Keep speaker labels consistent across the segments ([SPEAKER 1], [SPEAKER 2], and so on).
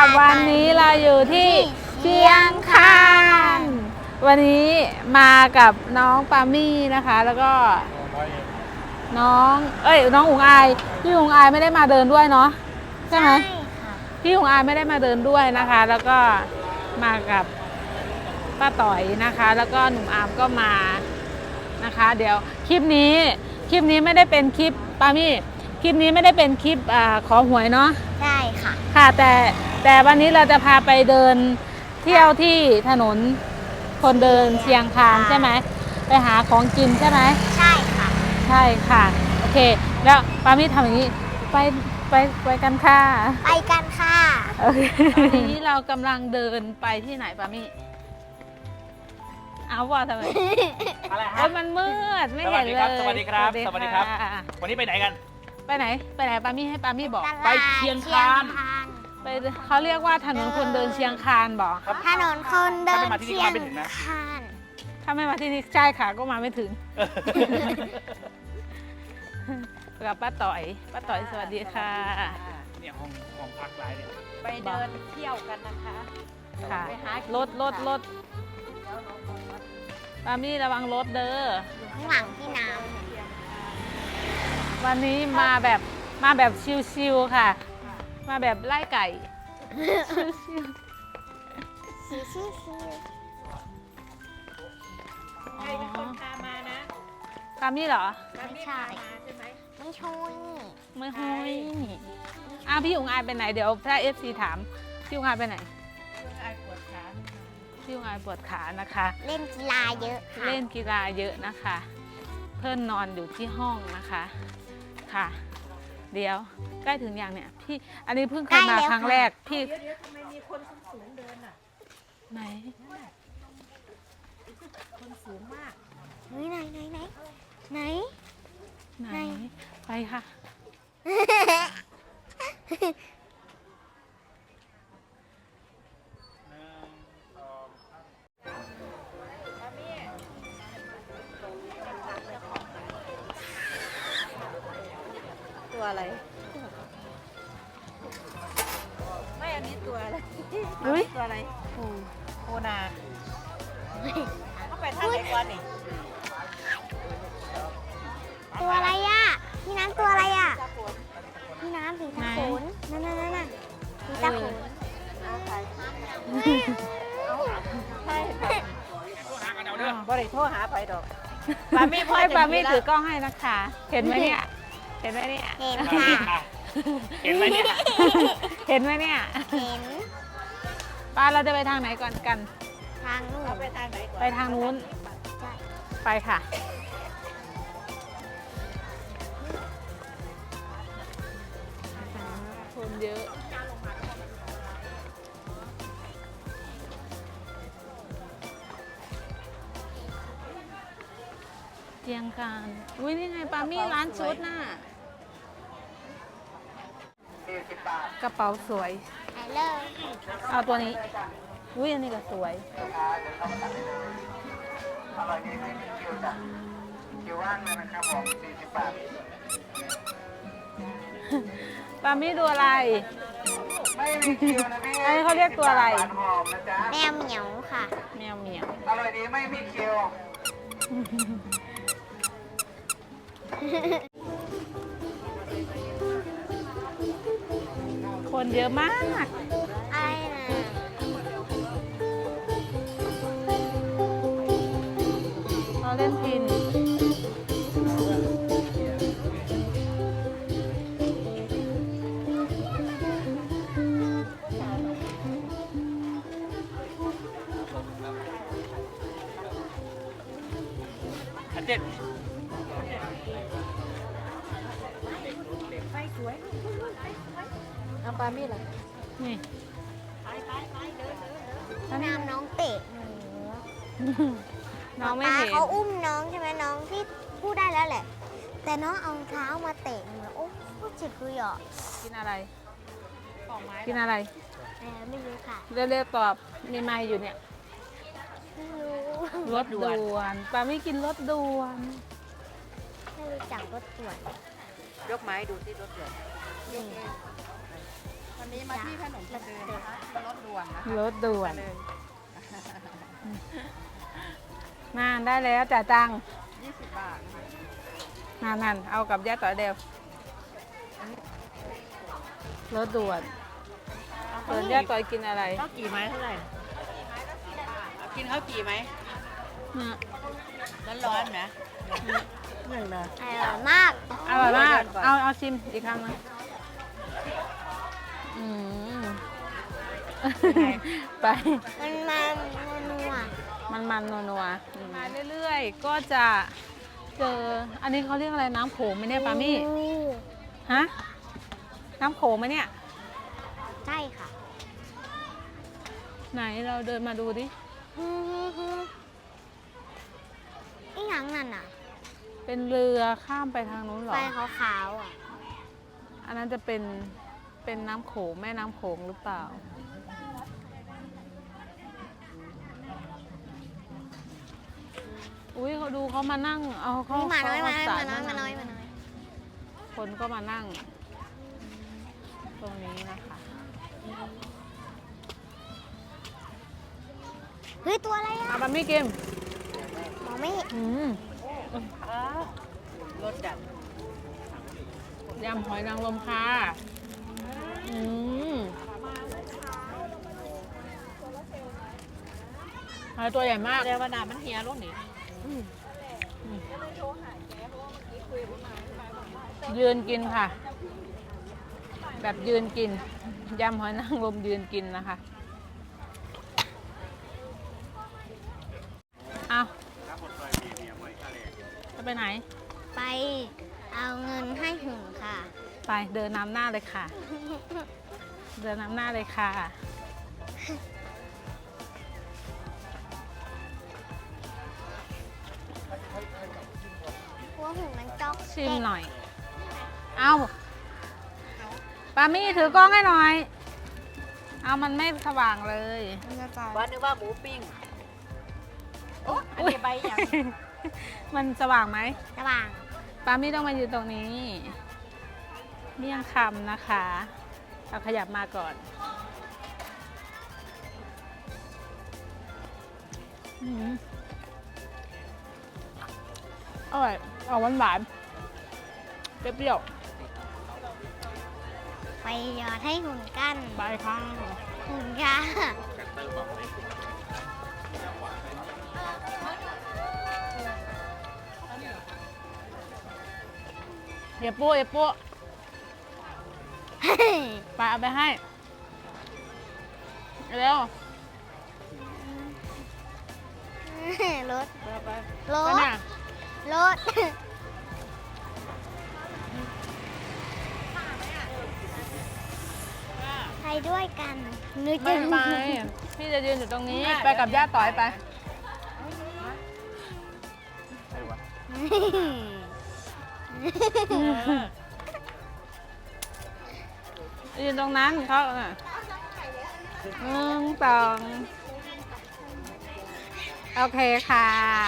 [SPEAKER 1] วันนี้เราอยู่ที่เชียงคานวันนี้มากับน้องปามี่นะคะ แล้วก็น้องอุ๋งอายพี่อุ๋งอายไม่ได้มาเดินด้วยเนาะใช่ไหมพี่อุ๋งอายไม่ได้มาเดินด้วยนะคะ แล้วก็มากับป้าต่อยนะคะ แล้วก็หนุ่มอาร์มก็มานะคะเดี๋ยวคลิปนี้ไม่ได้เป็นคลิปปามี่คลิปนี้ไม่ได้เป็นคลิปขอหวยเนาะ
[SPEAKER 2] ใช่ค่ะ
[SPEAKER 1] ค่ะแต่วันนี้เราจะพาไปเดินเที่ยวที่ถนนคนเดินเชียงคานใช่ไหมไปหาของกินใช่ไหม
[SPEAKER 2] ใช่ค่ะ
[SPEAKER 1] ใช่ค่ะโอเคแล้วปามี่ทำอย่างนี้ไปกันค่ะ
[SPEAKER 2] ไปกันค่ะ
[SPEAKER 1] ทีนี้เรากำลังเดินไปที่ไหนปามี่เอาว่าทำไม
[SPEAKER 3] อะไรฮะ
[SPEAKER 1] มันมืดไม่เห็นเลย
[SPEAKER 3] สวัสดีครับวันนี้ไปไหนกัน
[SPEAKER 1] ไปไหนปามี่ให้ปามี่บอก
[SPEAKER 3] ไปเชียงคาน
[SPEAKER 1] ไปเขาเรียกว่าถนนคนเดินเชียงคานบอก
[SPEAKER 2] ถนนคนเดินเชียงคาน
[SPEAKER 1] ถ้าไม่มาที่นี่ใช่ค่ะก็มาไม่ถึงกับป้าต่อยสวัสดีค่ะ
[SPEAKER 3] เนี่ยห้องพักหลายเนี่ย
[SPEAKER 4] ไปเดินเที่ยวกันนะคะ
[SPEAKER 1] ค่ะรถปามี่ระวังรถเด้อ
[SPEAKER 2] ข้างหลังพี่น้
[SPEAKER 1] ำวันนี้มาแบบชิวๆค่ะมาแบบไล่ไก่
[SPEAKER 2] ชิว
[SPEAKER 4] ใครเป็นคนพามานะ
[SPEAKER 1] ปามี่เหรอ
[SPEAKER 2] ไม่ใช่ไม่ช่วย
[SPEAKER 1] ไม่ห้อยพี่อุ๋งอายไปไหนเดี๋ยวถ้า FC ถามพี่อุ๋งอายไปไหนพี่อุ๋งอายปวดขานะคะ
[SPEAKER 2] เล่นกีฬาเยอะ
[SPEAKER 1] เล่นกีฬาเยอะนะคะเพื่อนนอนอยู่ที่ห้องนะคะค่ะเดี๋ยวใกล้ถึงอย่างเนี่ยพี่อันนี้เพิ่งเคยมาครั้งแรกพี่
[SPEAKER 4] เดี๋ยวทำไมมีคนสูงเดินอ่ะ
[SPEAKER 1] ไหน
[SPEAKER 4] คนสูงมาก
[SPEAKER 2] ไหน
[SPEAKER 1] ไปค่ะ
[SPEAKER 4] ตัวอะไรไม่อันนี้ตัวอะไรตัวอะไรโคนาเขาไปทางไหนก่อนนี่
[SPEAKER 2] ตัวอะไรอ่ะพี่น้ำตัวอะไรอ่ะพี่น้ำผีตาโขนนั่นผีตาโขน
[SPEAKER 4] บริโทรหาไปดอก
[SPEAKER 1] ปามี่ถือกล้องให้นะคะเห็นไหมเนี่ย
[SPEAKER 2] เห็นค่ะ
[SPEAKER 3] เห็นไหมเนี่ย
[SPEAKER 1] เห็นป้าเราจะไปทางไหนก่อนกัน
[SPEAKER 2] ทางนู้น
[SPEAKER 1] ไปทางนู้นไปค่ะคนเยอะเชียงคานอุ้ยนี่ไงปามี่ร้านชุดน่ะกระเป๋าสวยเอาตัวนี้อุ้ยอันนี้ก็สวยปามี่ดูอะไรอันนี้เขาเรียกตัวอะไร
[SPEAKER 2] แมวเหมียวค่ะ
[SPEAKER 1] แมวเหมียว
[SPEAKER 3] อร่อยดีไม่มีเคียว
[SPEAKER 1] คนเยอะมาก
[SPEAKER 2] อะไรนะ
[SPEAKER 1] เราเล่นพิน
[SPEAKER 3] เจ็ด
[SPEAKER 4] ไฟสวยเอาปามี่ล่ะ
[SPEAKER 1] นี่
[SPEAKER 2] น้องเตะ
[SPEAKER 1] น้องไม่เห็น
[SPEAKER 2] เขาอุ้มน้องใช่ไหมน้องที่พูดได้แล้วแหละแต่น้องเอาเท้ามาเตะหนูโอ้เจ็บเลยอ่ะ
[SPEAKER 1] กินอะไรกินอะไร
[SPEAKER 2] ไม่รู้ค่ะ
[SPEAKER 1] เร็วๆตอบมีไมค์อยู่เนี่ยรถด่วนปาไม่กินรถด่วน
[SPEAKER 2] ไม่รู้จักรถด่วน
[SPEAKER 4] ยกไม้ดูที่รถด่วนวันนี้มาที่ถนนคนเดินนะคะรถด่วนนะคะ
[SPEAKER 1] รถด่วน
[SPEAKER 4] เลย
[SPEAKER 1] มาได้แล้วจ่ายตังค์
[SPEAKER 4] 20 บาทนะคะ
[SPEAKER 1] นั่นเอากับย่าต่อยเดียวรถด่วนเปิดย่าต่อยกินอะไร
[SPEAKER 4] ข้าวกี่ไม้เท่าไหร่กินข้าวกี่ไหม
[SPEAKER 1] เนี่ย
[SPEAKER 4] ร้อนๆไหมหนึ่งนะ
[SPEAKER 2] อร่อยมาก
[SPEAKER 1] อร่อยมากเอาชิมอีกครั้งนะอืมไป
[SPEAKER 2] มัน
[SPEAKER 1] นัวมาเรื่อยๆ ก็จะเจอ อันนี้เขาเรียกอะไรน้ำโขงไหมเนี่ยปามี่ ฮะ น้ำโขงไหมเนี่ย
[SPEAKER 2] ใช่ค่ะ
[SPEAKER 1] ไหนเราเดินมาดูดิ
[SPEAKER 2] อีหยังนั่นอ่ะ
[SPEAKER 1] เป็นเรือข้ามไปทางนู้นเหร
[SPEAKER 2] ไฟ
[SPEAKER 1] อ
[SPEAKER 2] ขาวๆอ่ะ
[SPEAKER 1] อันนั้นจะเป็นน้ำโขงแม่น้ำโขงหรือเปล่า อุ้ยเขาดูเขามานั่ง เอาเขา
[SPEAKER 2] นี่มาน้อย
[SPEAKER 1] เข
[SPEAKER 2] มาน้อย
[SPEAKER 1] สร
[SPEAKER 2] มาน้อยมาน้อยมาน้อย
[SPEAKER 1] คนก็มานั่ง ตรงนี้นะคะ
[SPEAKER 2] เฮ้ย ตัวอะไรอ่ะ
[SPEAKER 1] อาบะมี่กิม
[SPEAKER 2] มองไม่เห็น
[SPEAKER 4] รถจัด
[SPEAKER 1] ยำหอยนางรมค่ะหอยตัวใหญ่มาก
[SPEAKER 4] เรียกว่าน้ำมันเฮียรถนี่
[SPEAKER 1] ยืนกินค่ะ แบบยืนกิน ยำหอยนางรมยืนกินนะคะ เอาจะไปไหน
[SPEAKER 2] ไปเอาเงินให้หึงค่ะ
[SPEAKER 1] ไปเดินนำหน้าเลยค่ะ เดินนำหน้าเลยค่ะ
[SPEAKER 2] หัวหึงมันจ๊อก
[SPEAKER 1] ชิมหน่อย เอาปามี่ถือกล้องให้หน่อย เอามันไม่สว่างเลย
[SPEAKER 4] ว่านึกว่าหมูปิ้งโอ้อันนี้ใบอย่าง
[SPEAKER 1] มันสว่างไหม
[SPEAKER 2] ระหว่าง
[SPEAKER 1] ปามี่ต้องมายืนตรงนี้ เมี่ยงคำนะคะเราขยับมาก่อนอืมอร่อยออกหวานๆเปรี้ยว
[SPEAKER 2] ไปหยอดให้หุ่นกัน
[SPEAKER 1] ๆไปค่ะ
[SPEAKER 2] หุ่นค่ะ
[SPEAKER 1] เดี๋ยวปูไปเอาไปให้เร็ว
[SPEAKER 2] รถ
[SPEAKER 1] ไป
[SPEAKER 2] ร
[SPEAKER 1] ไป
[SPEAKER 2] ถ
[SPEAKER 1] น่ะ
[SPEAKER 2] รถ ไปด้วยกันนึก
[SPEAKER 1] ไม่
[SPEAKER 2] จะ
[SPEAKER 1] ไปพี่จะยืนอยู่ตรงนี้ ไปกับย่าต่อยไป ยืนตรงนั้นเขาน่ะ1 2โอเคค่ะ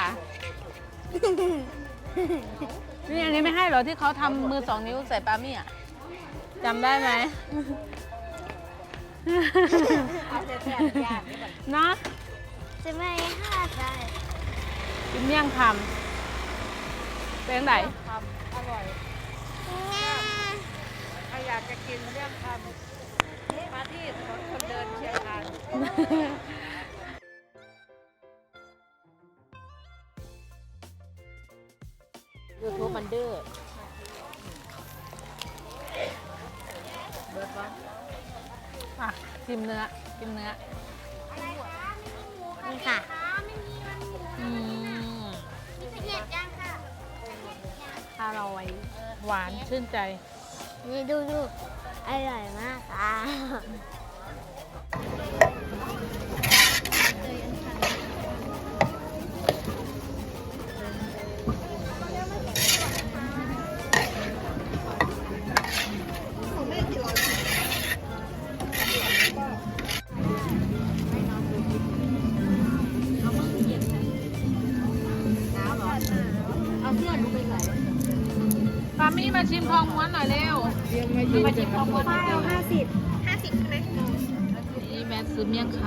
[SPEAKER 1] นี่อันนี้ไม่ให้เหรอที่เขาทำมือ2 นิ้วใส่ปามี่อ่ะจำได้ไหม เนาะ
[SPEAKER 2] จะไม่ห้าใจ
[SPEAKER 1] กินเมี่ยงคำเป็นไหน
[SPEAKER 4] ทำอร่อยใครอยากจะกินเรื่องทำมาที่ถนนคนเดินเชียงคานยูทูบมันดื้อเบิร์ดวะ
[SPEAKER 1] อ่ะชิมเนื้อกินเนื้อ
[SPEAKER 2] นี่ค่ะ
[SPEAKER 1] อืม
[SPEAKER 2] เผ็ดจังค่ะ
[SPEAKER 1] อร่อยหวานชื่นใจ
[SPEAKER 2] นี่ดูอร่อยมากค่ะ
[SPEAKER 1] ปามี่มาชิมทองม้วนหน่อยเร็ว
[SPEAKER 4] มาชิมของคนเดียว
[SPEAKER 2] 50
[SPEAKER 1] นี่แม่ซื้อเมี่ยงค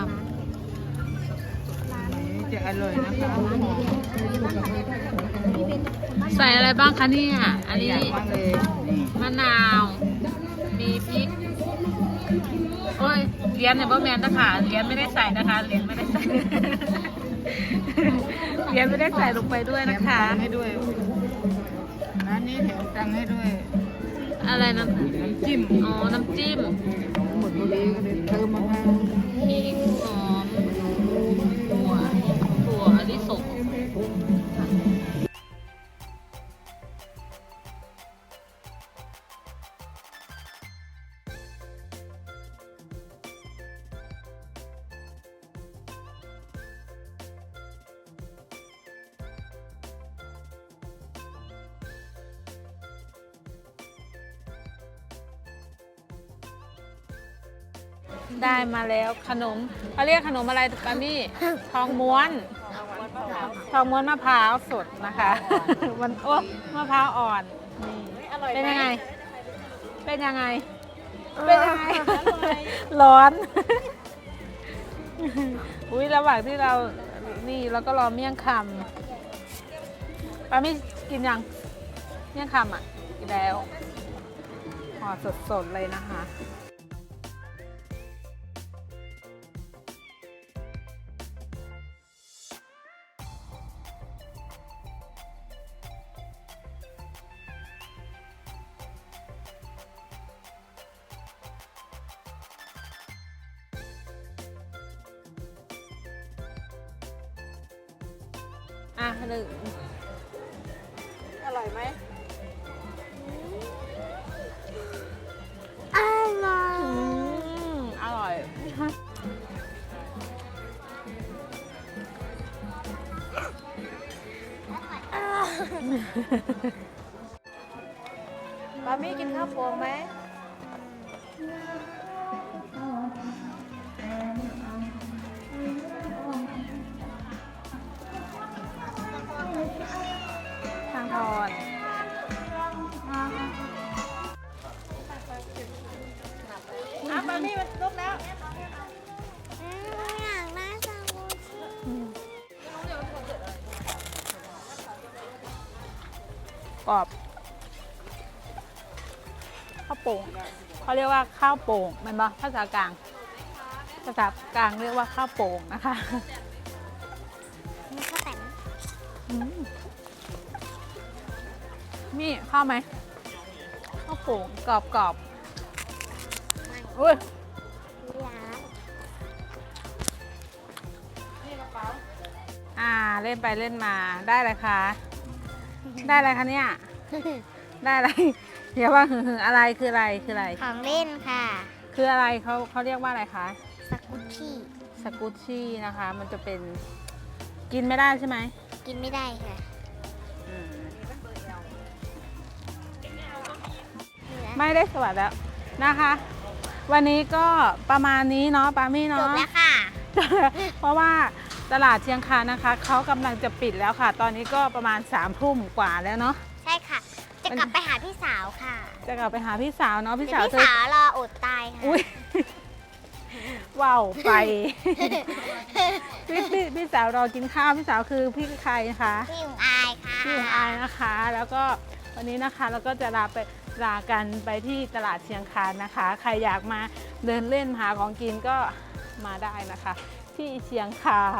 [SPEAKER 4] จะอร่อยนะคะ
[SPEAKER 1] ำใส่อะไรบ้างคะเนี่ยอันนี้
[SPEAKER 4] มากเลยนี่
[SPEAKER 1] มะนาว มีพริก โอ้ยเหรียญเนี่ยบ่แมนนะคะเหรียญไม่ได้ใส่นะคะเหรียญไม่ได้ใส่ เหรียญไม่ได้ใส่ลงไปด้วยนะคะ
[SPEAKER 4] แถมตังค์ให้ด้วยร้านนี้แถมตังค์ให้ด้วย
[SPEAKER 1] อะไรนะ
[SPEAKER 4] น้ำจิ้ม
[SPEAKER 1] อ๋อ น้ำจิ้ม
[SPEAKER 4] หมดพอดีก็เลยเติมมะพร้าว
[SPEAKER 1] พริกหอมถั่วลิสงได้มาแล้วขนมเขาเรียกขนมอะไรปามี่ ทองม้วน ทองม้วนมะพร้าวสดนะคะ มันโอ้มะพร้าวอ่อนนี่เป็นยังไง เป็นยังไง เป็นยังไง ร้อน อุ้ยระหว่างที่เรานี่เราก็รอเมี่ยงคำปามี่กินยังเมี่ยงคำอ่ะกินแล้วห่อสดๆเลยนะคะ อ่ะหนึ่ง
[SPEAKER 4] อร่อยไหม
[SPEAKER 2] อร่อย
[SPEAKER 1] อร่อย
[SPEAKER 4] ปามี่กินข้าวโพดไหม
[SPEAKER 1] ทางทอน
[SPEAKER 4] ปามี่มันลุกแล้ว
[SPEAKER 2] อยากได้ซาบูชิ
[SPEAKER 1] กรอบข้าวโป่งเขาเรียกว่าข้าวโป่งมันปะภาษากลาง ภาษากลางเรียกว่าข้าวโป่งนะคะ
[SPEAKER 2] มีข้าวแต่น
[SPEAKER 1] นี่ข้าวไหมข้าวโป่งกรอบกรอบอุ้ย เล่นไปเล่นมาได้อะไรคะ ได้อะไรคะเนี่ย ได้อะไร เดี๋ยวว่าอะไรคืออะไรคืออะไร
[SPEAKER 2] ของเล่นค่ะ
[SPEAKER 1] คืออะไรเขาเรียกว่าอะไรคะ
[SPEAKER 2] สกุชชี่
[SPEAKER 1] สกูตชี่นะคะ มันจะเป็นกินไม่ได้ใช่ไหม
[SPEAKER 2] กินไม่ได้ค่ะ
[SPEAKER 1] อืมไม่ได้สวัสดีแล้วนะคะ วันนี้ก็ประมาณนี้เนาะปามี่
[SPEAKER 2] จ
[SPEAKER 1] เนาะ
[SPEAKER 2] บแล้วค่ะ
[SPEAKER 1] เพราะว่าตลาดเชียงคานนะคะเขากำลังจะปิดแล้วค่ะ ตอนนี้ก็ประมาณ3 ทุ่มกว่าแล้วเนาะ
[SPEAKER 2] ใช่ค่ะ จะกลับไปหาพี่สาวค่ะ
[SPEAKER 1] จะกลับไปหาพี่สาวเนาะพี่
[SPEAKER 2] เดี๋ย
[SPEAKER 1] สาว
[SPEAKER 2] ว
[SPEAKER 1] เธ
[SPEAKER 2] พี่
[SPEAKER 1] อ
[SPEAKER 2] สาวรออดตายค่ะ
[SPEAKER 1] อุ้ย ว้าวไป พี่สาวรอกินข้าวพี่สาวคือพี่ใครนะคะ
[SPEAKER 2] พี่อุ๋งอายค่ะ
[SPEAKER 1] พี่ของอายนะคะ แล้วก็วันนี้นะคะเราก็จะลากันไปที่ตลาดเชียงคานนะคะ ใครอยากมาเดินเล่นหาของกินก็มาได้นะคะ ที่เชียงคาน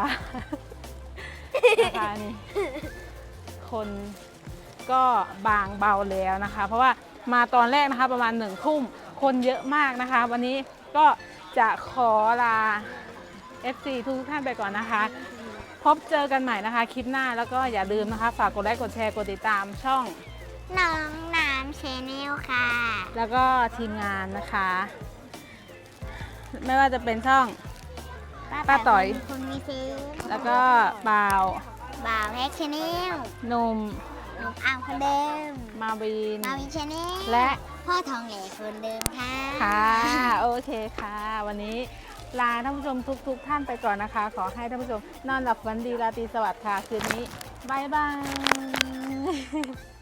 [SPEAKER 1] นะคะนี่คนก็บางเบาแล้วนะคะ เพราะว่ามาตอนแรกนะคะประมาณ1 ทุ่มคนเยอะมากนะคะ วันนี้ก็จะขอลา FC ทุกท่านไปก่อนนะคะ พบเจอกันใหม่นะคะคลิปหน้าแล้วก็อย่าลืมนะคะ ฝากกดไลค์กดแชร์กดติดตามช่อง
[SPEAKER 2] น้องน้ำชแนลค่ะ
[SPEAKER 1] แล้วก็ทีมงานนะคะ ไม่ว่าจะเป็นช่อง ป้าต๋อย
[SPEAKER 2] คุณมีซื้อ
[SPEAKER 1] แล้วก็บ่าว
[SPEAKER 2] บ่าวแพ็กชแนล
[SPEAKER 1] หนุ่ม
[SPEAKER 2] หนุ่มอ่างคนเดิม
[SPEAKER 1] มาวิน
[SPEAKER 2] มาวินชแนล
[SPEAKER 1] และ
[SPEAKER 2] พ่อทองเหล่คนเดิมค่ะ
[SPEAKER 1] ค่ะโอเคค่ะ วันนี้ลาท่านผู้ชมทุกท่านไปก่อนนะคะ ขอให้ท่านผู้ชมนอนหลับฝันดีราตรีสวัสดิ์ค่ะคืนนี้บ๊ายบาย